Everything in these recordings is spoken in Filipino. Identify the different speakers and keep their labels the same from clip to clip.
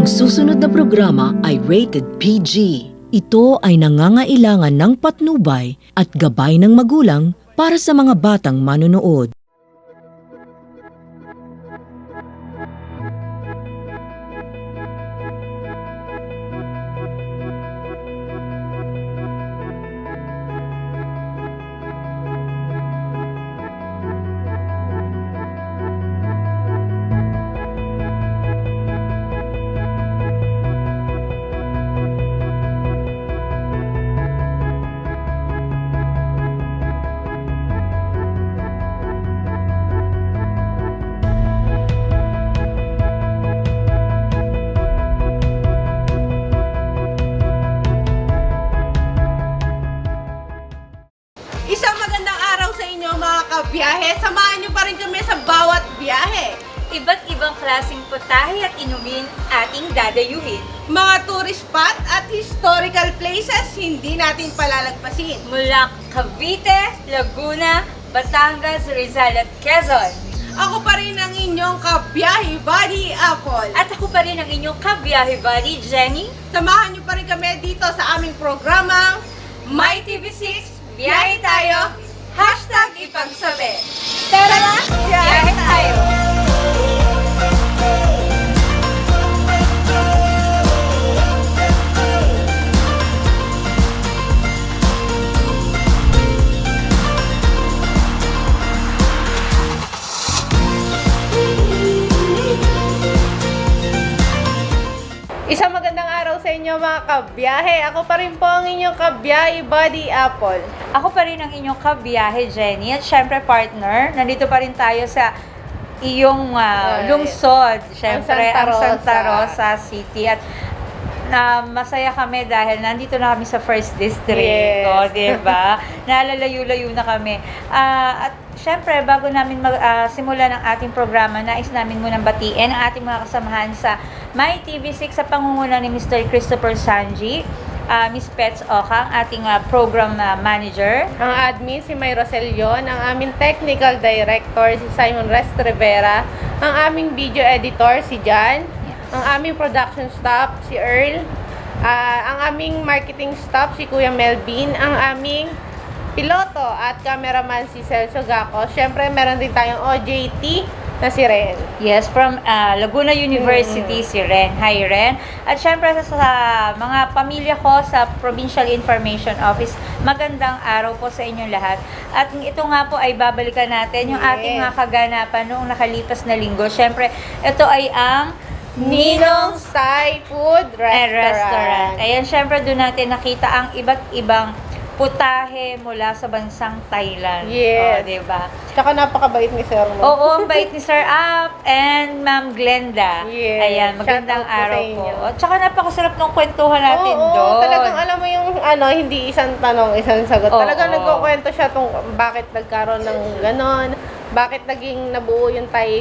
Speaker 1: Ang susunod na programa ay rated PG. Ito ay nangangailangan ng patnubay at gabay ng magulang para sa mga batang manonood.
Speaker 2: Isang magandang araw sa inyo mga kabiyahe. Samahan niyo pa rin kami sa bawat biyahe.
Speaker 3: Iba't ibang klaseng putahe at inumin ating dadayuhin.
Speaker 2: Mga tourist spot at historical places hindi natin palalagpasin.
Speaker 3: Mula Cavite, Laguna, Batangas, Rizal at Quezon.
Speaker 2: Ako pa rin ang inyong kabiyahe buddy Apple.
Speaker 3: At ako pa rin ang inyong kabiyahe buddy, Jenny.
Speaker 2: Samahan niyo pa rin kami dito sa aming programang
Speaker 3: My TV6, biyahe tayo, #ipagsabi.
Speaker 2: Tara na,
Speaker 3: Biyahe tayo!
Speaker 2: Isang magandang araw sa inyo mga kabiyahe. Ako pa rin po ang inyong kabiyahe buddy Apple.
Speaker 3: Ako pa rin ang inyong kabiyahe, Jenny. At syempre, partner, nandito pa rin tayo sa iyong lungsod. Syempre,
Speaker 2: Santa
Speaker 3: ang Santa
Speaker 2: Rosa.
Speaker 3: Rosa City. At masaya kami dahil nandito na kami sa First District.
Speaker 2: Yes.
Speaker 3: O, diba? Nalalayo-layo na kami. At syempre, bago namin simulan ang ating programa, nais namin munang batiin ang ating mga kasamahan sa My TV6 sa pangunguna ni Mr. Christopher Sanji, Miss Pets Oka, ang ating program manager.
Speaker 2: Ang admin si May Roselyon, ang aming technical director si Simon Rest Rivera, ang aming video editor si Jan, ang aming production staff si Earl, ang aming marketing staff si Kuya Melvin, ang aming piloto at cameraman si Celso Gaco. Syempre, meron din tayong OJT na si Ren.
Speaker 3: Yes, from Laguna University, si Ren. Hi, Ren. At syempre sa mga pamilya ko sa Provincial Information Office, magandang araw po sa inyong lahat. At ito nga po ay babalikan natin yung ating mga kaganapan noong nakalipas na linggo. Syempre, ito ay ang
Speaker 2: Ninong's Thai Food Restaurant.
Speaker 3: Ayan, syempre doon natin nakita ang iba't ibang putahe mula sa bansang Thailand.
Speaker 2: Yes.
Speaker 3: O, diba?
Speaker 2: Tsaka napakabait ni Sir Mo.
Speaker 3: Oo, ang bait ni Sir Ap and Ma'am Glenda.
Speaker 2: Yes.
Speaker 3: Ayan, magandang
Speaker 2: Shout out po
Speaker 3: araw
Speaker 2: sa inyo.
Speaker 3: po. Tsaka napakasarap ng kwentuhan natin
Speaker 2: Oo,
Speaker 3: doon.
Speaker 2: talagang alam mo yung hindi isang tanong, isang sagot.
Speaker 3: Oo.
Speaker 2: Talagang nagkukwento siya bakit nagkaroon ng ganon, bakit naging nabuo yung Thai,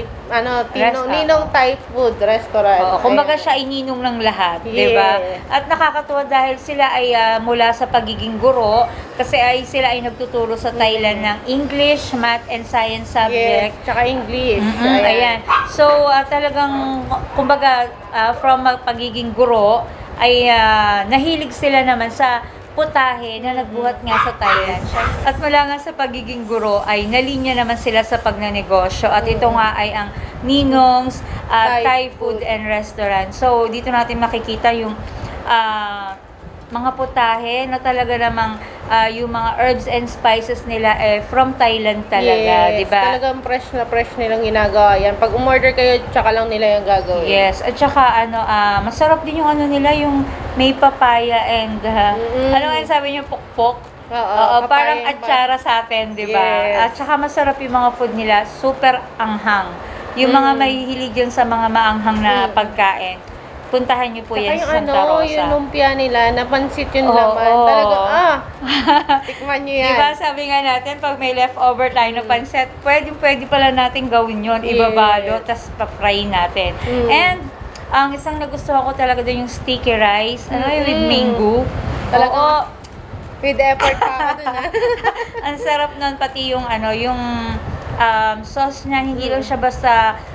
Speaker 2: Ninong Thai Food Restaurant.
Speaker 3: Oo, kumbaga
Speaker 2: Ayan.
Speaker 3: siya ay ninong ng lahat,
Speaker 2: Yes.
Speaker 3: 'di ba? At nakakatuwa dahil sila ay mula sa pagiging guro kasi sila ay nagtuturo sa Thailand ng English, Math and Science subject.
Speaker 2: Yes, tsaka English.
Speaker 3: Ayan. So, talagang, kumbaga, from pagiging guro, ay nahilig sila naman sa putahe na nagbuhat nga sa Thailand. At mula nga sa pagiging guro, ay nalinya naman sila sa pagnanegosyo. At ito nga ay ang Ninong's Thai Food and Restaurant. So, dito natin makikita yung mga putahe na talaga namang yung mga herbs and spices nila from Thailand talaga,
Speaker 2: Yes,
Speaker 3: di ba?
Speaker 2: talagang fresh na fresh nilang ginagawa yan. Pag umorder kayo, tsaka lang nila yung gagawin.
Speaker 3: Yes, at saka masarap din yung nila, yung may papaya and ano nga yung sabi niyo, pokpok? Oo, parang
Speaker 2: papaya,
Speaker 3: atsara sa atin, di ba?
Speaker 2: Yes.
Speaker 3: At saka masarap yung mga food nila, super anghang. Yung mga mahihilig yan sa mga maanghang na pagkain. Puntahan niyo po
Speaker 2: Tsaka
Speaker 3: yan
Speaker 2: yung
Speaker 3: sa Santa Rosa.
Speaker 2: yung lumpia nila, napansit yun
Speaker 3: Oo,
Speaker 2: naman.
Speaker 3: oo.
Speaker 2: Talagang, tikman nyo yan.
Speaker 3: Diba, sabi nga natin, pag may leftover tayo na pansit, pwede pala natin gawin yon, ibabalo, tas pa-fry natin. And, ang isang nagustuhan ko talaga doon yung sticky rice, with mango.
Speaker 2: Talaga.
Speaker 3: Oo,
Speaker 2: With effort pa ako dun,
Speaker 3: ang sarap nun, pati yung yung sauce niya, hindi lang siya basta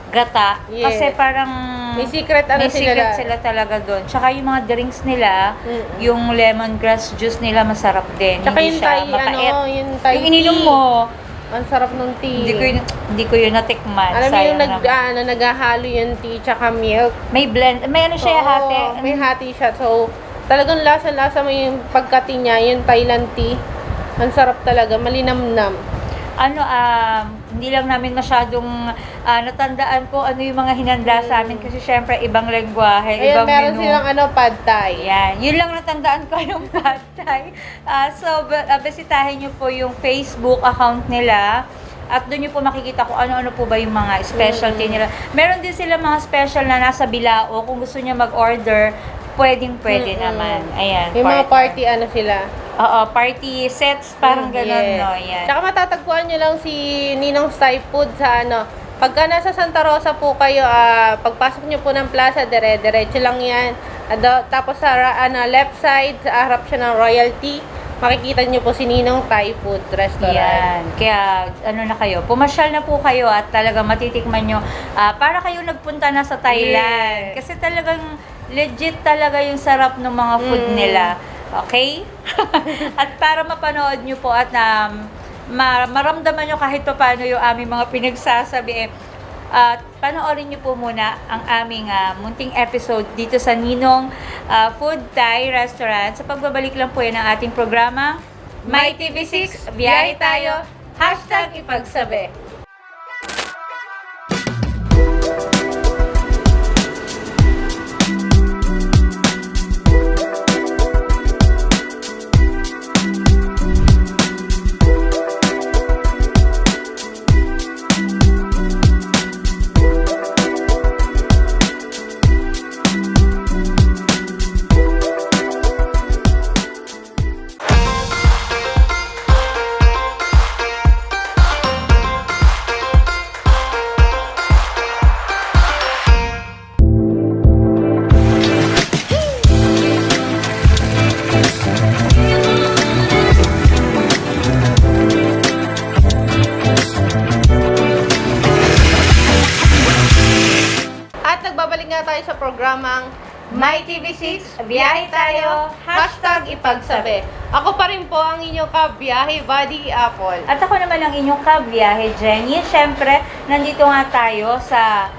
Speaker 3: gata.
Speaker 2: Yes.
Speaker 3: Kasi parang
Speaker 2: May secret
Speaker 3: may secret sila talaga doon. Tsaka yung mga drinks nila, yung lemongrass juice nila masarap din.
Speaker 2: Tsaka
Speaker 3: Hindi
Speaker 2: yung
Speaker 3: siya
Speaker 2: Thai,
Speaker 3: mapait.
Speaker 2: yung Thai
Speaker 3: Yung ininom
Speaker 2: tea.
Speaker 3: mo,
Speaker 2: Ang sarap ng tea.
Speaker 3: hindi ko yun natikman.
Speaker 2: Alam mo yung
Speaker 3: Sayang naman.
Speaker 2: naghahalo yung tea tsaka milk.
Speaker 3: May blend, may ano siya
Speaker 2: Oo,
Speaker 3: hati.
Speaker 2: may hati siya. So, talagang lasa-lasa mo yung pagkati niya, yung Thailand tea. Ang sarap talaga, malinamnam.
Speaker 3: Hindi lang namin masyadong natandaan ko ano yung mga hinanda sa amin kasi syempre ibang lengguwahe,
Speaker 2: Ayan,
Speaker 3: ibang
Speaker 2: meron
Speaker 3: menu.
Speaker 2: silang pad thai.
Speaker 3: Ayan, yun lang natandaan ko yung pad thai. Bisitahin nyo po yung Facebook account nila at doon nyo po makikita kung ano-ano po ba yung mga specialty nila. Meron din sila mga special na nasa Bilao. Kung gusto nyo mag-order, pwede naman. Ayan.
Speaker 2: Yung mga party sila.
Speaker 3: Oo, party sets, parang ganun,
Speaker 2: Yes.
Speaker 3: no? Ayan.
Speaker 2: Tsaka matatagpuan nyo lang si Ninong Thai Food sa pagka nasa Santa Rosa po kayo, pagpasok nyo po ng plaza, diretso lang yan. Tapos sa left side, sa harap siya ng Royalty, makikita nyo po si Ninong Thai Food Restaurant.
Speaker 3: Yan. Kaya, na kayo, pumasyal na po kayo at talagang matitikman nyo. Para kayo nagpunta na sa Thailand.
Speaker 2: Yes.
Speaker 3: Kasi talagang legit talaga yung sarap ng mga food nila. Okay? At para mapanood nyo po at maramdaman nyo kahit pa paano yung aming mga pinagsasabi, panoorin nyo po muna ang aming munting episode dito sa Ninong Food Thai Restaurant. Sa pagbabalik lang po yan ng ating programa, My TV6, biyahe tayo, #ipagsabi.
Speaker 2: At nagbabalik nga tayo sa programang
Speaker 3: My TV6, biyahe tayo,
Speaker 2: #ipagsabi. Ako pa rin po ang inyong kabiyahe buddy Apple.
Speaker 3: At ako naman ang inyong kabiyahe, Jenny. Siyempre, nandito nga tayo sa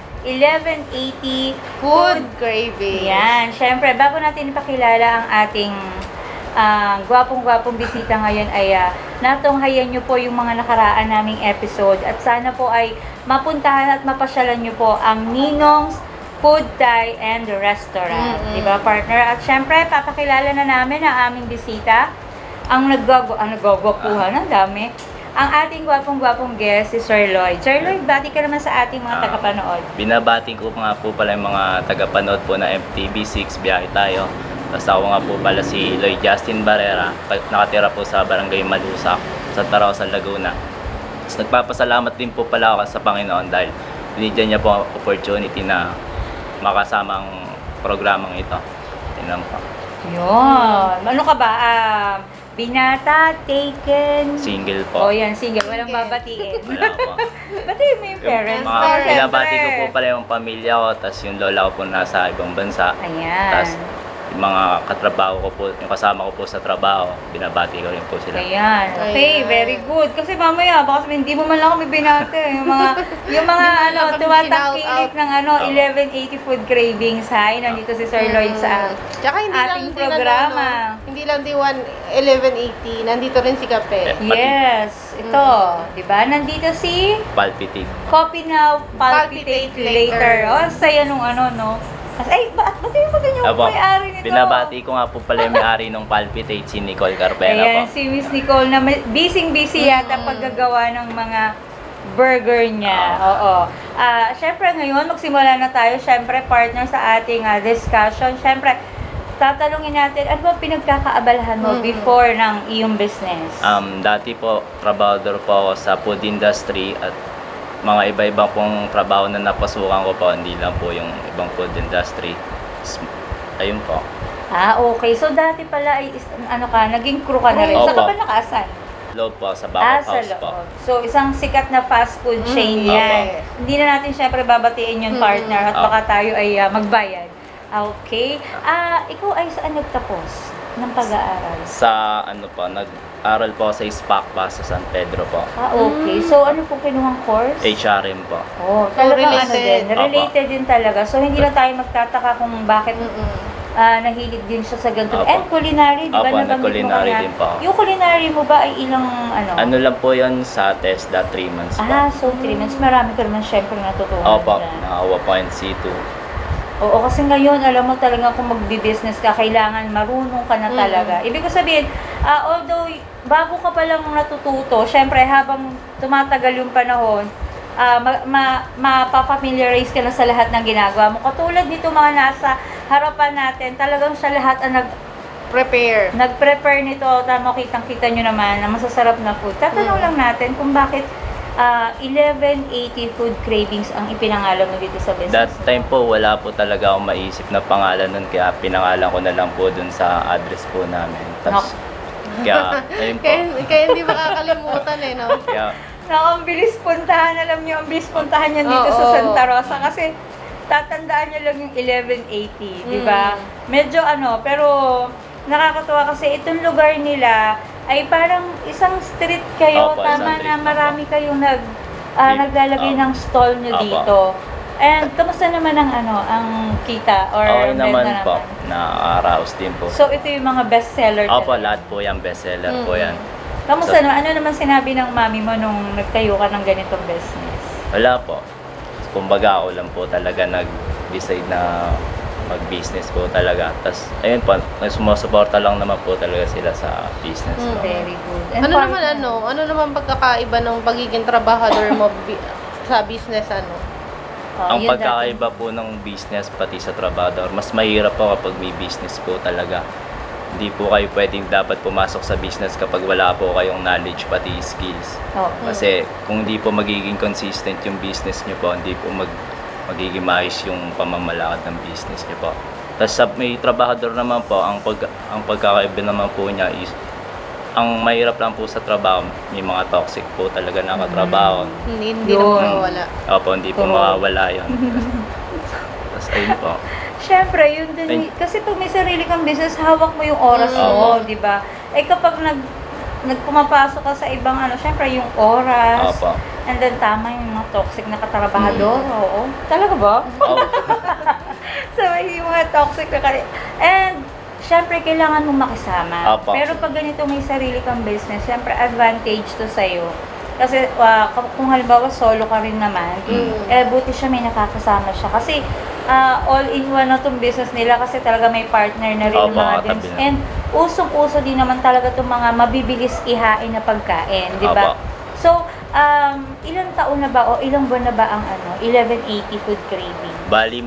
Speaker 3: 1180
Speaker 2: Food craving.
Speaker 3: Yan. Siyempre, bago natin ipakilala ang ating gwapong-gwapong bisita ngayon ay natunghayan nyo po yung mga nakaraan naming episode at sana po ay mapuntahan at mapasyalan nyo po ang Ninong's Food Thai and Restaurant. Diba, partner? At syempre, papakilala na namin ang aming bisita. Ang nagwagwapuhan, ang dami. Ang ating gwapong-gwapong guest si Sir Lloyd. Sir Lloyd, bati ka naman sa ating mga tagapanood.
Speaker 4: Binabati ko nga po pala yung mga tagapanood po na MTV6, biyahe tayo. Tapos ako nga po pala si Lloyd Justin Barrera, nakatira po sa Barangay Malusak, sa Tarosa, Laguna. Tapos nagpapasalamat din po pala ako sa Panginoon dahil binigyan niya po ang opportunity na makasama ang programang ito. Tingnan po.
Speaker 3: Yun. Ano ka ba? Binata, taken.
Speaker 4: Single po.
Speaker 3: Oh, yan, single. Walang
Speaker 2: Single.
Speaker 3: babatiin.
Speaker 4: Wala po.
Speaker 3: Batiin mo yung parents.
Speaker 4: Mga
Speaker 2: Siyempre.
Speaker 4: binabati ko po pala yung pamilya ko, tapos yung lola ko po nasa ibang bansa.
Speaker 3: Ayan.
Speaker 4: Tapos yung mga katrabaho ko po, yung kasama ko po sa trabaho, binabati ko rin po sila.
Speaker 3: Ayan. Okay,
Speaker 2: Ayan.
Speaker 3: very good. Kasi mamaya, baka sabihin, hindi mo man lang kami binate. Yung mga
Speaker 2: lang kami
Speaker 3: tumatangkilik
Speaker 2: shout-out.
Speaker 3: ng 1180 Food Cravings. Hi, nandito si Sir Lloyd sa
Speaker 2: Tsaka hindi lang
Speaker 3: ating
Speaker 2: din
Speaker 3: programa.
Speaker 2: hindi lang din 1180, nandito rin si Kape.
Speaker 3: Yes, ito. Diba? Nandito si
Speaker 4: Palpitate.
Speaker 3: Copy Now, Palpitate
Speaker 2: Palpitate
Speaker 3: Later.
Speaker 2: Later.
Speaker 3: Oh, saya nung no? Ay, ba't yung ganyan yung
Speaker 4: Apo,
Speaker 3: may-ari nito?
Speaker 4: binabati ko nga po pala yung may-ari ng Palpitate, si Nicole Carpena
Speaker 3: Ayan,
Speaker 4: po.
Speaker 3: si Miss Nicole na busy yata paggagawa ng mga burger niya. Oo. Syempre ngayon, magsimula na tayo. Syempre, partner sa ating discussion. Syempre, tatanungin natin, ano ba pinagkakaabalahan mo before ng iyong business?
Speaker 4: Dati po, trabahador po ako sa food industry at mga iba-ibang pong trabaho na napasukan ko po, hindi lang po yung ibang food industry. Ayun po.
Speaker 3: Okay. So, dati pala ay, naging crew ka na rin.
Speaker 4: Opo.
Speaker 3: Saan ka ba nakaasan?
Speaker 4: Loob po, sa
Speaker 3: Sa
Speaker 4: back of house po.
Speaker 3: loob. So, isang sikat na fast food chain yan. Hindi na natin syempre babatiin yung partner at
Speaker 4: Opo.
Speaker 3: baka tayo ay magbayad. Okay. Ikaw ay saan nagtapos ng pag-aaral?
Speaker 4: Sa ano po, nag-aral po sa SPAC pa sa San Pedro po.
Speaker 3: Okay. So, ano pong kinuhang course?
Speaker 4: HRM po.
Speaker 3: Oh, talagang ano
Speaker 2: related.
Speaker 3: din. Related din talaga. So, hindi na tayo magtataka kung bakit nahilig din siya sa ganito.
Speaker 4: Opo.
Speaker 3: And culinary, di ba?
Speaker 4: Opo,
Speaker 3: Nabanggit mo
Speaker 4: nag-culinary
Speaker 3: kanina.
Speaker 4: din po ako.
Speaker 3: Yung culinary mo ba ay ilang ano?
Speaker 4: Ano lang po yan sa TESDA 3 months po.
Speaker 3: So 3 months. Marami ka naman syempre natutunan
Speaker 4: Opo,
Speaker 3: dyan.
Speaker 4: nakawa po yung C2.
Speaker 3: Oo, kasi ngayon, alam mo talaga kung magbi-business ka, kailangan marunong ka na talaga. Ibig ko sabihin, although bago ka pa lang natututo, syempre habang tumatagal yung panahon, mapapamiliarize ka na sa lahat ng ginagawa mo. Katulad nito mga nasa harapan natin, talagang sa lahat ang
Speaker 2: Prepare.
Speaker 3: nag-prepare nito. Tama, kitang-kita nyo naman na masasarap na food. Tatanong lang natin kung bakit 1180 Food Cravings ang ipinangalan mo dito sa business.
Speaker 4: That time po, wala po talaga akong maisip na pangalan nun, kaya pinangalan ko na lang po dun sa address po namin. Tapos, kaya, ayun po.
Speaker 2: Kaya hindi makakalimutan eh, no?
Speaker 4: Kaya,
Speaker 3: Ang bilis puntahan, alam niyo, ang bilis puntahan yan dito sa
Speaker 2: Oo.
Speaker 3: Santa Rosa kasi tatandaan niyo lang yung 1180, di ba? Medyo pero nakakatuwa kasi itong lugar nila ay parang isang street kayo,
Speaker 4: Opo,
Speaker 3: tama
Speaker 4: isang
Speaker 3: na
Speaker 4: street,
Speaker 3: marami kayong naglalagay
Speaker 4: Opo.
Speaker 3: ng stall niyo
Speaker 4: Opo.
Speaker 3: dito. And kamusta naman ang kita or
Speaker 4: okay
Speaker 3: benta
Speaker 4: naman po.
Speaker 3: naman?
Speaker 4: Nakaka-arouse din po.
Speaker 3: So ito yung mga bestseller.
Speaker 4: Opo,
Speaker 3: talaga.
Speaker 4: lahat po yan, bestseller po yan.
Speaker 3: Kamusta
Speaker 4: So-
Speaker 3: naman? Ano naman sinabi ng mami mo nung nagtayo ka ng ganitong business?
Speaker 4: Wala po. Kumbaga, ako lang po talaga nag-decide na mag-business po talaga. Tapos, ayun po, sumusuporta lang naman po talaga sila sa business po.
Speaker 3: Very good. And
Speaker 2: Ano naman
Speaker 3: partner?
Speaker 2: ano naman pagkakaiba ng pagiging trabahador mo sa business
Speaker 4: Ang
Speaker 3: yun
Speaker 4: pagkakaiba po ng business pati sa trabador, mas mahirap po kapag may business po talaga. Hindi po kayo pwedeng dapat pumasok sa business kapag wala po kayong knowledge pati skills.
Speaker 3: dati. Oh.
Speaker 4: Kasi kung hindi po magiging consistent yung business nyo po, hindi po magiging maayos yung pamamalakad ng business nyo po. Tapos sa may trabahador naman po, ang pagkakaiba naman po niya is, ang mahirap lang po sa trabaho, may mga toxic po talaga na katrabaho.
Speaker 2: Hindi
Speaker 3: Yun.
Speaker 2: na mawawala.
Speaker 4: Opo, hindi po
Speaker 3: Oo.
Speaker 4: mawawala yun. Tapos ayun po.
Speaker 3: Siyempre, yun din. Kasi pag may sarili kang business, hawak mo yung oras mo, di ba? Eh kapag nagpumapasok ka sa ibang syempre yung oras.
Speaker 4: Opo.
Speaker 3: And then tama yung mga toxic na katrabahador. Oo. Talaga ba?
Speaker 4: Oh,
Speaker 3: So, yung mga toxic na And, syempre, kailangan mong makisama.
Speaker 4: Opo.
Speaker 3: Pero pag ganito may sarili kang business, syempre, advantage to sa'yo. Kasi kung halimbawa solo ka rin naman, buti siya may nakakasama siya. Kasi all-in-one na itong business nila kasi talaga may partner na rin
Speaker 4: Opo,
Speaker 3: yung mga
Speaker 4: katabi
Speaker 3: drinks.
Speaker 4: na.
Speaker 3: And usong-uso din naman talaga itong mga mabibilis ihain na pagkain, di ba?
Speaker 4: Opo.
Speaker 3: So, ilang taon na ba o ilang buwan na ba ang 1180 Food Craving?
Speaker 4: bali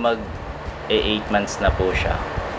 Speaker 4: 8 months na po siya.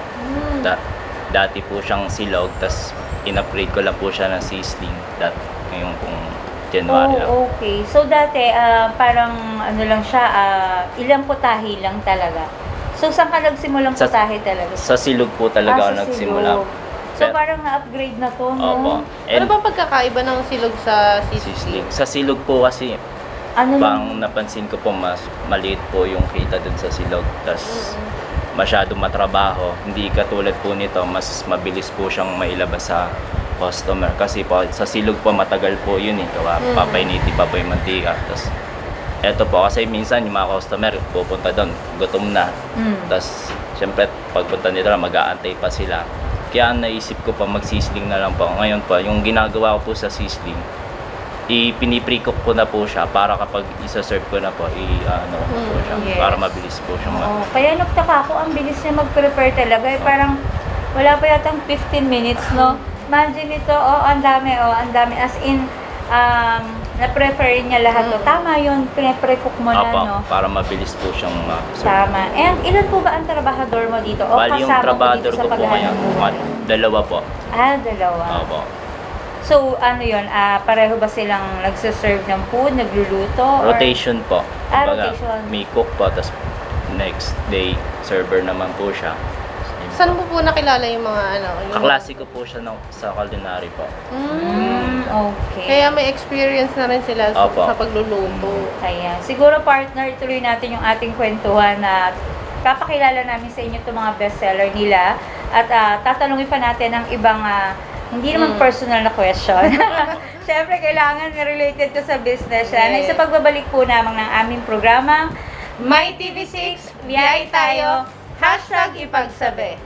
Speaker 4: Dati po siyang silog, tapos in-upgrade ko lang po siya ng sizzling. Ngayong pong January lang.
Speaker 3: Oh, okay. So, dati, parang lang siya, ilang putahe lang talaga. So, saan ka nagsimulang
Speaker 4: Sa-
Speaker 3: putahe talaga?
Speaker 4: Sa silog po talaga ako
Speaker 3: sa
Speaker 4: nagsimula.
Speaker 3: silog. So,
Speaker 4: Pero-
Speaker 3: parang na-upgrade na to, no?
Speaker 4: Opo.
Speaker 2: Ano ba pagkakaiba ng silog sa
Speaker 4: Sizzling.
Speaker 2: sizzling?
Speaker 4: Sa silog po kasi,
Speaker 3: Ano
Speaker 4: pang napansin ko po mas maliit po yung kita dun sa silog. Tapos masyado matrabaho. Hindi katulad po nito, mas mabilis po siyang mailabas sa customer. Kasi po sa silog po matagal po yun eh. Papainiti pa po yung mantika. Tapos eto po kasi minsan yung mga customer pupunta doon, gutom na. Tapos syempre pagpunta nila mag-aantay pa sila. Kaya ang naisip ko pa mag-sizzling na lang po. Ngayon po, yung ginagawa ko po sa sizzling, piniprecook ko na po siya para kapag isa-serve ko na po, ko po siya
Speaker 3: Yes.
Speaker 4: para mabilis po siyang
Speaker 3: Oo. Kaya nagtaka ako, ang bilis niya mag-prepare talaga. Parang wala pa yatang 15 minutes, no? Imagine ito, ang dami. As in, na-prefer niya lahat to. Tama yun, pre-cook mo na,
Speaker 4: Opo,
Speaker 3: no?
Speaker 4: para mabilis po siyang ma-serve.
Speaker 3: Tama. And ilan po ba ang trabahador mo dito? O
Speaker 4: Bali yung
Speaker 3: kasama mo
Speaker 4: trabador
Speaker 3: dito sa
Speaker 4: ko po ngayon,
Speaker 3: paghahanap?
Speaker 4: dalawa po.
Speaker 3: Dalawa.
Speaker 4: Opo.
Speaker 3: So, yun, pareho ba silang nagsiserve ng food, nagluluto? or-
Speaker 4: Rotation po. Kumbaga,
Speaker 3: rotation.
Speaker 4: may cook po, tapos next day, server naman po siya.
Speaker 2: Saan mo po nakilala yung mga ano? Yung
Speaker 4: Kaklase ko po siya sa culinary po.
Speaker 3: Okay.
Speaker 2: Kaya may experience na rin sila
Speaker 4: Opo.
Speaker 2: sa pagluluto.
Speaker 3: Ayan. Siguro partner, ituloy natin yung ating kwentuhan na papakilala namin sa inyo itong mga bestseller nila at tatanungin pa natin ang ibang hindi naman personal na question. Siyempre, kailangan related to sa business yan.
Speaker 2: Yes.
Speaker 3: Sa pagbabalik po naman ng aming programang
Speaker 2: My TV6, biyay tayo, #ipagsabi.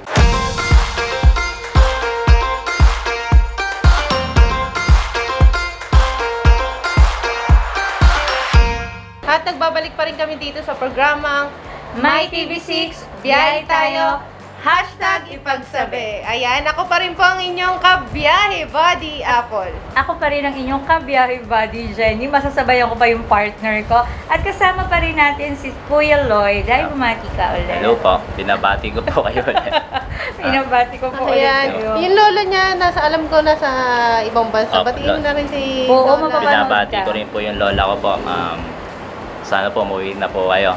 Speaker 2: At nagbabalik pa rin kami dito sa programang
Speaker 3: My TV6,
Speaker 2: biyay tayo, #ipagsabi. Ayan, ako pa rin po ang inyong kabiyahe, Buddy Apple.
Speaker 3: Ako pa rin ang inyong kabiyahe buddy, Jenny. Masasabayan ko pa yung partner ko. At kasama pa rin natin si Kuya Lloyd. Ay, bumati ka ulit.
Speaker 4: Hello po, binabati ko po kayo ulit.
Speaker 3: Pinabati ko po ulit
Speaker 2: Ayan,
Speaker 3: kayo.
Speaker 2: yung lolo niya, alam ko, nasa ibang bansa.
Speaker 4: Opo,
Speaker 2: Batiin mo na rin si
Speaker 3: Oo,
Speaker 2: Lola.
Speaker 3: mapapanood
Speaker 4: Binabati
Speaker 3: ka.
Speaker 4: ko rin po yung lola ko po. Sana po umuwi na po kayo.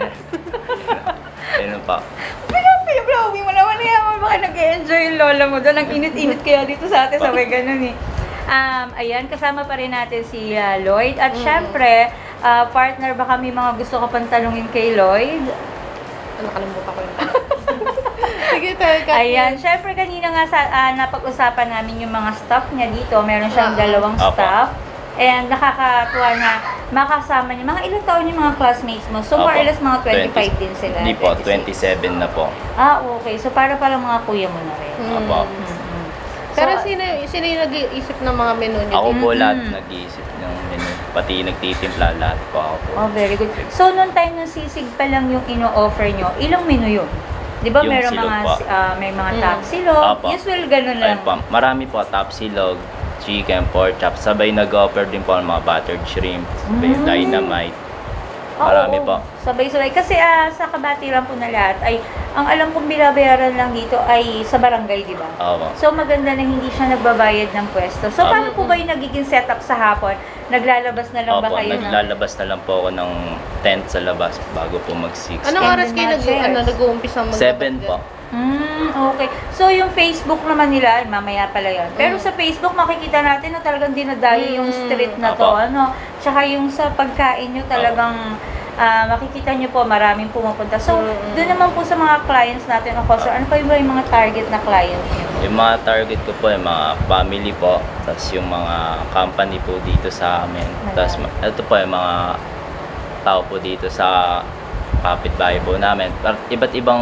Speaker 4: Ayun po.
Speaker 3: Pinapilawin mo naman yan. Baka nag-enjoy yung lola mo doon. Ang init-init kaya dito sa atin. Sabay ganun eh. Ayan, kasama pa rin natin si Lloyd. At syempre, partner, baka may mga gusto ka pang tanungin kay Lloyd.
Speaker 2: Ano, kalimutan ko yung Sige, tayo ka.
Speaker 3: Ayan, syempre kanina nga napag-usapan namin yung mga staff niya dito. Meron siyang dalawang
Speaker 4: Opo.
Speaker 3: staff. And nakakatuwa na makasama niya. Mga ilang taon yung mga classmates mo? So more or
Speaker 4: Opo.
Speaker 3: less mga 25 din sila.
Speaker 4: Hindi po,
Speaker 3: 26.
Speaker 4: 27 na po.
Speaker 3: Okay. So para palang mga kuya mo na rin.
Speaker 4: Opo.
Speaker 3: Mm-mm.
Speaker 2: Pero
Speaker 3: So,
Speaker 2: sino yung nag-iisip ng mga menu niyo?
Speaker 4: Ako po
Speaker 3: Mm-mm.
Speaker 4: lahat nag-iisip ng menu. Pati nagtitimpla lahat po ako po.
Speaker 3: Oh, very good. So, noong time ng sisig pa lang yung ino-offer nyo, ilang menu yun? Di ba
Speaker 4: Yung
Speaker 3: meron
Speaker 4: silog
Speaker 3: mga,
Speaker 4: po.
Speaker 3: may mga top silog?
Speaker 4: Opo.
Speaker 3: Usual ganun lang.
Speaker 4: Ayun po, marami po, top silog, chicken, pork chop. Sabay nag-offer din po ng mga buttered shrimp, sabay dynamite. Marami
Speaker 3: Oo,
Speaker 4: po.
Speaker 3: Sabay-sabay. Kasi sa kabatiran po na lahat ay, ang alam kong binabayaran lang dito ay sa barangay, di ba?
Speaker 4: Opo.
Speaker 3: So maganda na hindi siya nagbabayad ng pwesto. So paano po ba yung nagiging setup sa hapon? Naglalabas na lang ba
Speaker 4: Opo,
Speaker 3: kayo ng...
Speaker 4: naglalabas na lang po ako ng tent sa labas bago po mag-6.
Speaker 2: Anong
Speaker 3: And
Speaker 2: oras
Speaker 3: the
Speaker 2: kayo
Speaker 3: matches.
Speaker 2: nag-uumpisa mag
Speaker 4: 7 po.
Speaker 3: Okay. So, yung Facebook naman nila, mamaya pala yun. Pero sa Facebook, makikita natin na talagang dinadayo yung street na to.
Speaker 4: Opo.
Speaker 3: Ano? Tsaka yung sa pagkain nyo talagang makikita nyo po, maraming pumupunta. So, doon naman po sa mga clients natin, of course, ano pa yung mga target na client nyo?
Speaker 4: Yung mga target ko po, yung mga family po, tapos yung mga company po dito sa amin. Tapos ito po yung mga tao po dito sa kapitbahay po namin. Iba't ibang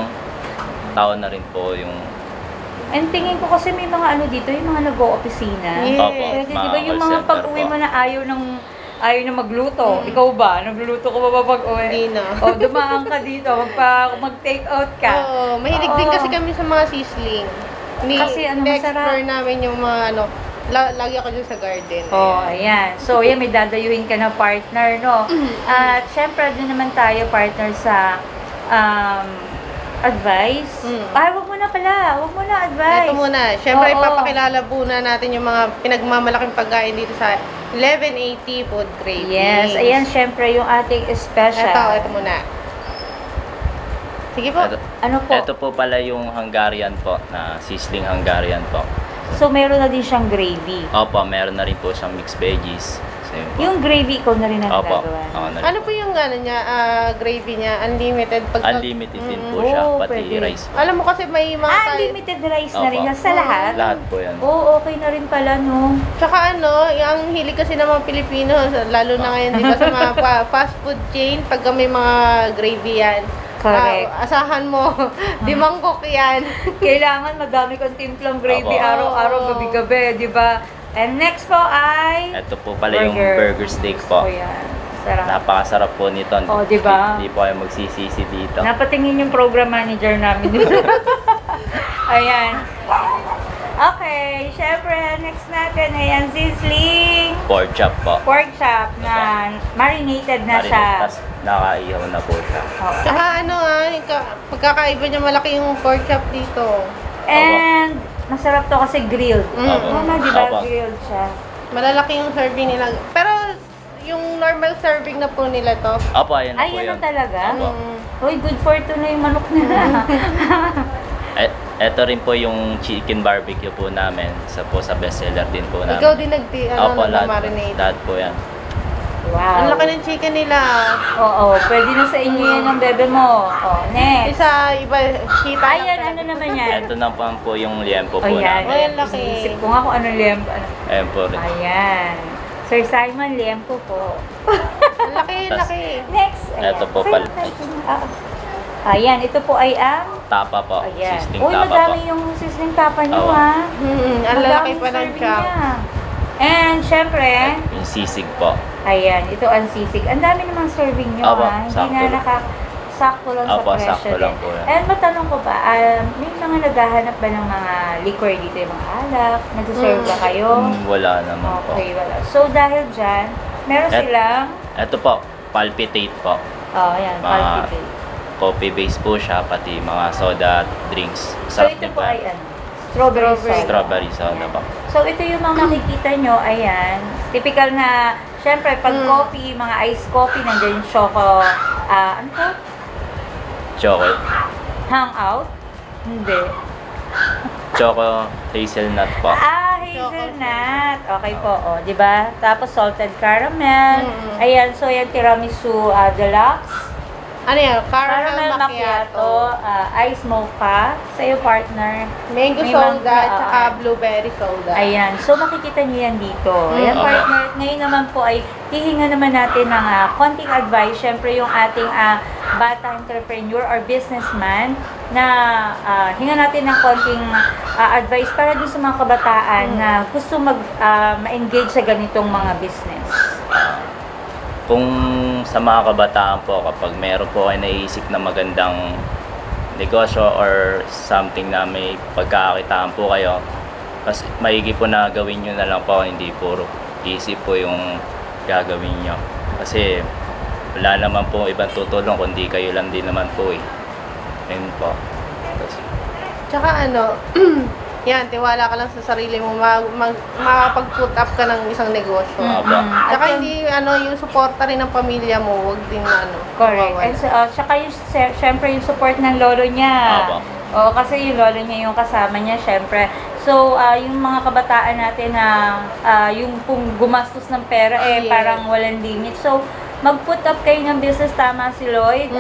Speaker 4: tao na rin po yung
Speaker 3: And tingin ko kasi may mga ano dito, yung mga nag-o-opisina.
Speaker 2: Yes.
Speaker 4: Opo,
Speaker 3: Pwede, di ba
Speaker 4: mga
Speaker 3: yung
Speaker 4: call
Speaker 3: mga
Speaker 4: center
Speaker 3: pag-uwi
Speaker 4: po.
Speaker 3: mo na ayaw na magluto. Ikaw ba? Nagluluto ka ba pag-uwi?
Speaker 2: Hindi na.
Speaker 3: O, dumaan ka dito, mag-take out ka.
Speaker 2: Oo, mahilig din kasi kami sa mga sisling.
Speaker 3: Kasi ano,
Speaker 2: explore
Speaker 3: masarap.
Speaker 2: namin yung mga lagi ako dun sa garden.
Speaker 3: Oh, ayan. So, yan, may dadayuhin ka na partner, no? At syempre, doon naman tayo partner sa advice. Wag mo na pala. Wag mo na advice.
Speaker 2: Ito muna. Siyempre,
Speaker 3: Oo.
Speaker 2: ipapakilala po na natin yung mga pinagmamalaking pagkain dito sa 1180 Food Cravings.
Speaker 3: Yes, ayan, syempre, yung ating special.
Speaker 2: Ito muna. Sige po.
Speaker 3: Ano po?
Speaker 4: Ito po pala yung Hungarian po, na sizzling Hungarian po.
Speaker 3: So, meron na din siyang gravy.
Speaker 4: Opo, meron na rin po siyang mixed veggies. So, yun po.
Speaker 3: Yung gravy ko na rin ang
Speaker 4: Opo,
Speaker 3: gagawa.
Speaker 4: ako na rin
Speaker 2: Ano po yung niya, gravy niya? Unlimited?
Speaker 4: Unlimited din po siya,
Speaker 3: Oo,
Speaker 4: pati
Speaker 3: pwede.
Speaker 4: rice po.
Speaker 2: Alam mo kasi may mga
Speaker 3: Unlimited rice na rin
Speaker 4: Opo.
Speaker 3: sa lahat?
Speaker 4: Lahat po yan.
Speaker 3: Oo, okay na rin pala, no?
Speaker 2: Tsaka ang hilig kasi ng mga Pilipino, lalo na ngayon, di ba, sa mga fast food chain, pagka may mga gravy yan,
Speaker 3: Correct.
Speaker 2: asahan mo, di mangkok yan.
Speaker 3: Kailangan madami kang timplang gravy
Speaker 4: Opo.
Speaker 3: araw-araw, gabi-gabi, di ba? And next po ay...
Speaker 4: Ito po pala yung burger steak po.
Speaker 3: Oh, yan. Sarap.
Speaker 4: Napakasarap po nito.
Speaker 3: Oh, di ba?
Speaker 4: Hindi po kayo magsisisi dito.
Speaker 3: Napatingin yung program manager namin. Ayan. Okay, syempre, next natin, ayan, sizzling
Speaker 4: Pork chop po.
Speaker 3: pork chop na marinated na siya.
Speaker 4: Tapos nakaihaw na po siya.
Speaker 3: Oh.
Speaker 2: Tsaka pagkakaiba niya malaki yung pork chop dito.
Speaker 3: And, masarap to kasi grilled.
Speaker 4: Opo.
Speaker 3: Tama, di ba?
Speaker 4: Opo.
Speaker 3: Grilled siya.
Speaker 2: Malalaki yung serving nila. Pero yung normal serving na po nila to.
Speaker 4: Opo, ayan na
Speaker 3: Ay,
Speaker 4: po
Speaker 3: yan
Speaker 4: yun.
Speaker 3: na talaga?
Speaker 4: Opo.
Speaker 3: Uy, good for two na yung manok nila.
Speaker 4: Ito rin po yung chicken barbecue po namin. Sa bestseller din po namin.
Speaker 2: Ikaw din
Speaker 4: Opo, lahat po.
Speaker 2: nag-marinate.
Speaker 4: Lahat po yan.
Speaker 3: Wow.
Speaker 2: Ang laki ng chicken nila.
Speaker 3: Oo, pwede na sa inyo yan ng bebe mo. Oh, next.
Speaker 2: Isa, iba, kita.
Speaker 3: Ayan, ano naman yan?
Speaker 4: Ito na po yung liempo po
Speaker 3: Oh, yan.
Speaker 4: namin.
Speaker 2: Ayan, laki.
Speaker 3: Isip ko nga kung ano liempo. Ano.
Speaker 4: Ayan po rin.
Speaker 3: Ayan. Sir Simon, liempo po.
Speaker 2: Ang laki, laki.
Speaker 3: Next. Ayan.
Speaker 4: Ito po
Speaker 3: Okay,
Speaker 4: pala.
Speaker 3: Ayan, ito po ay ang...
Speaker 4: Tapa po.
Speaker 3: Ayan.
Speaker 4: Sizzling
Speaker 3: Uy,
Speaker 4: tapa po.
Speaker 3: madami yung sizzling tapa nyo,
Speaker 4: Oo.
Speaker 3: ha?
Speaker 2: Ang lalaki
Speaker 3: Madaming
Speaker 2: pa ng
Speaker 3: serving
Speaker 2: chop.
Speaker 3: niya. And, syempre,
Speaker 4: Yung sisig po.
Speaker 3: ayan, ito ang sisig. Ang dami namang serving nyo,
Speaker 4: Opo,
Speaker 3: ha? Hindi
Speaker 4: sakto
Speaker 3: na
Speaker 4: lang.
Speaker 3: sakto lang sa
Speaker 4: Opo,
Speaker 3: presyo.
Speaker 4: sakto lang po yan.
Speaker 3: And matanong ko ba, may mga naghahanap ba ng mga liquor dito, yung mga alak? Nagsaserve ba kayo?
Speaker 4: Wala naman po.
Speaker 3: Okay, wala. So, dahil dyan, meron
Speaker 4: Et-
Speaker 3: silang,
Speaker 4: Ito po, palpitate po.
Speaker 3: ayan,
Speaker 4: Mga
Speaker 3: palpitate.
Speaker 4: coffee base po siya, pati mga soda drinks.
Speaker 3: So,
Speaker 4: Sarap
Speaker 3: ito
Speaker 4: din
Speaker 3: po
Speaker 4: po.
Speaker 3: ay ano? Strawberry soda.
Speaker 4: Strawberry soda
Speaker 3: Ayan.
Speaker 4: po.
Speaker 3: So, ito yung mga makikita nyo, ayan. Typical na, syempre, pag coffee, mga iced coffee, nandiyan yung choco, ano to?
Speaker 4: Choco.
Speaker 3: Hangout? Hindi.
Speaker 4: Choco hazelnut po.
Speaker 3: Hazelnut. Okay po, o, di ba? Tapos salted caramel. Ayan, so yan tiramisu deluxe.
Speaker 2: Ano yan?
Speaker 3: Caramel macchiato, ice mocha. Sa'yo, partner.
Speaker 2: Mango
Speaker 3: May
Speaker 2: soda,
Speaker 3: mangga,
Speaker 2: tsaka blueberry soda.
Speaker 3: Ayan, so makikita niyo yan dito. Ayan,
Speaker 4: Okay.
Speaker 3: partner. Ngayon naman po ay hihinga naman natin ng konting advice. Siyempre, yung ating bata entrepreneur or businessman na hinga natin ng konting advice para din sa mga kabataan na gusto ma-engage sa ganitong mga business.
Speaker 4: Kung sa mga kabataan po, kapag meron po kayo naisip na magandang negosyo or something na may pagkakakitaan po kayo, mas maigi po na gawin nyo na lang po, hindi puro isip po yung gagawin nyo. Kasi wala naman po ibang tutulong kundi kayo lang din naman po eh. Ayun po.
Speaker 2: Tsaka ano, yan, tiwala ka lang sa sarili mo, makapag-put up ka ng isang negosyo.
Speaker 4: Opo.
Speaker 2: Tsaka hindi, yung suporta rin ng pamilya mo, huwag din,
Speaker 3: Correct.
Speaker 2: mawawala.
Speaker 3: And so, tsaka yung, syempre yung support ng lolo niya.
Speaker 4: Opo.
Speaker 3: Oo, kasi yung lolo niya yung kasama niya, syempre. So, yung mga kabataan natin na yung kung gumastos ng pera,
Speaker 2: Yes.
Speaker 3: parang walang limit. So, mag-put up kayo ng business, tama si Lloyd.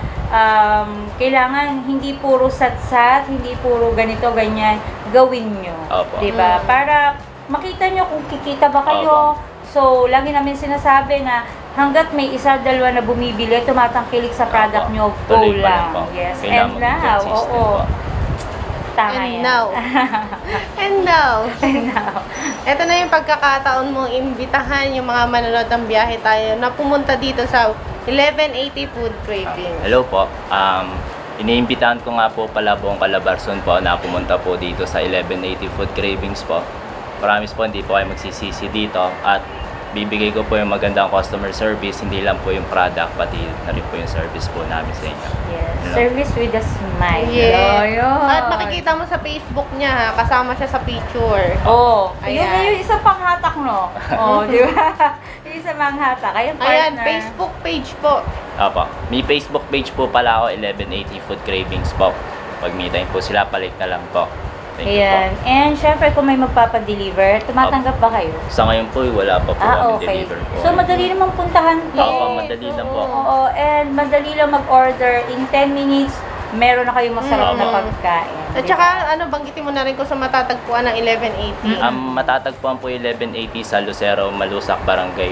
Speaker 3: Kailangan hindi puro satsat, hindi puro ganito, ganyan, gawin nyo.
Speaker 4: Opo.
Speaker 3: Diba? Para makita nyo kung kikita ba kayo. So, lagi namin sinasabi na hanggat may isa, dalawa na bumibili, tumatangkilik sa product
Speaker 4: Opo.
Speaker 3: nyo, go
Speaker 4: Tuloy pa
Speaker 3: lang.
Speaker 4: po.
Speaker 3: Yes,
Speaker 4: Kailangan
Speaker 3: and now,
Speaker 4: mag-consistent
Speaker 3: oo.
Speaker 4: po.
Speaker 3: Tama
Speaker 2: And
Speaker 3: yan.
Speaker 2: now. And now.
Speaker 3: And now.
Speaker 2: Ito na yung pagkakataon mong imbitahan yung mga manonood ng biyahe tayo na pumunta dito sa 1180 Food Craving.
Speaker 4: Hello po. Iniimbitahan ko nga po pala buong Calabarzon po na pumunta po dito sa 1180 Food Cravings po. Promise po hindi po kayo magsisisi dito at bibigay ko po yung magandang customer service, hindi lang po yung product, pati na rin po yung service po namin sa inyo.
Speaker 3: Yes.
Speaker 4: Hello.
Speaker 3: Service with a smile.
Speaker 2: Yeah.
Speaker 3: Yun.
Speaker 2: At makikita mo sa Facebook niya, ha, kasama siya sa picture.
Speaker 3: Oh, yun
Speaker 2: Ayan.
Speaker 3: na yung isang panghatak, no? Oh, di ba? Yung isang panghatak. Ayan, partner.
Speaker 2: Ayan, Facebook page po.
Speaker 4: Opo. May Facebook page po pala ako, 1180 Food Cravings po. Pag meeting po sila, palit na lang po. Thank you
Speaker 3: Ayan.
Speaker 4: po.
Speaker 3: And syempre, kung may magpapadeliver, tumatanggap ba kayo?
Speaker 4: Sa ngayon po, wala pa po kami
Speaker 3: Okay.
Speaker 4: deliver po.
Speaker 3: So, madali namang puntahan to.
Speaker 4: Opo, madali lang po.
Speaker 3: Oo, and madali lang mag-order. In 10 minutes, meron na kayong masarap na pagkain.
Speaker 2: At
Speaker 3: Di
Speaker 2: saka,
Speaker 3: ba?
Speaker 2: banggitin mo na rin kung sa matatagpuan ng 1180.
Speaker 4: Matatagpuan po yung 1180 sa Lucero, Malusac, Barangay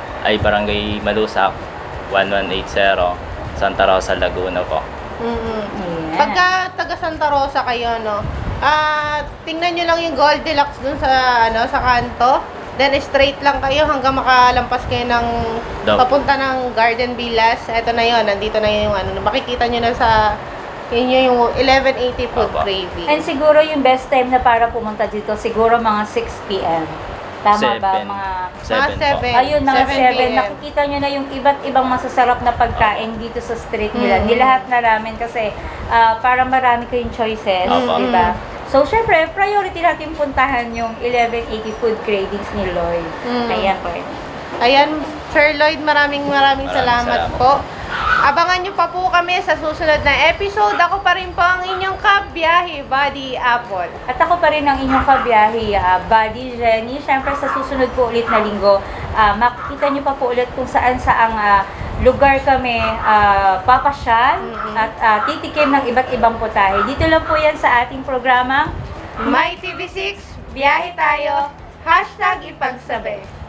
Speaker 4: Malusac, 1180, Santa Rosa, Laguna po.
Speaker 3: Ayan.
Speaker 2: Pagka taga Santa Rosa kayo, tingnan nyo lang yung Goldilocks dun sa, sa kanto. Then, straight lang kayo hanggang makalampas kayo ng papunta ng Garden Villas. Ito na yun, nandito na yung makikita nyo na sa yun yung 1180 Food
Speaker 4: Opo.
Speaker 2: Craving.
Speaker 3: And siguro yung best time na para pumunta dito, siguro mga 6 p.m. Tama ba? Mga
Speaker 4: 7 po.
Speaker 2: seven.
Speaker 3: ayun, mga
Speaker 2: 7
Speaker 3: 7.
Speaker 2: p.m.
Speaker 3: Nakikita nyo na yung iba't ibang masasarap na pagkain dito sa street nila. Nilahat na ramen kasi para marami kayong choices.
Speaker 4: Opo.
Speaker 3: Diba? So, syempre, priority natin puntahan yung 1180 Food Cravings ni Lloyd. Ayan po.
Speaker 2: Ayan, Sir Lloyd, maraming salamat
Speaker 4: salamat
Speaker 2: po. Abangan nyo pa po kami sa susunod na episode. Ako pa rin po ang inyong kabiyahe, Buddy Apple.
Speaker 3: At ako pa rin ang inyong kabiyahe, Buddy Jenny. Siyempre sa susunod po ulit na linggo, makikita nyo pa po ulit kung saan-saang lugar kami papasyal at titikim ng iba't ibang putahe. Dito lang po yan sa ating programang
Speaker 2: My TV6, biyahe tayo. #ipagsabi.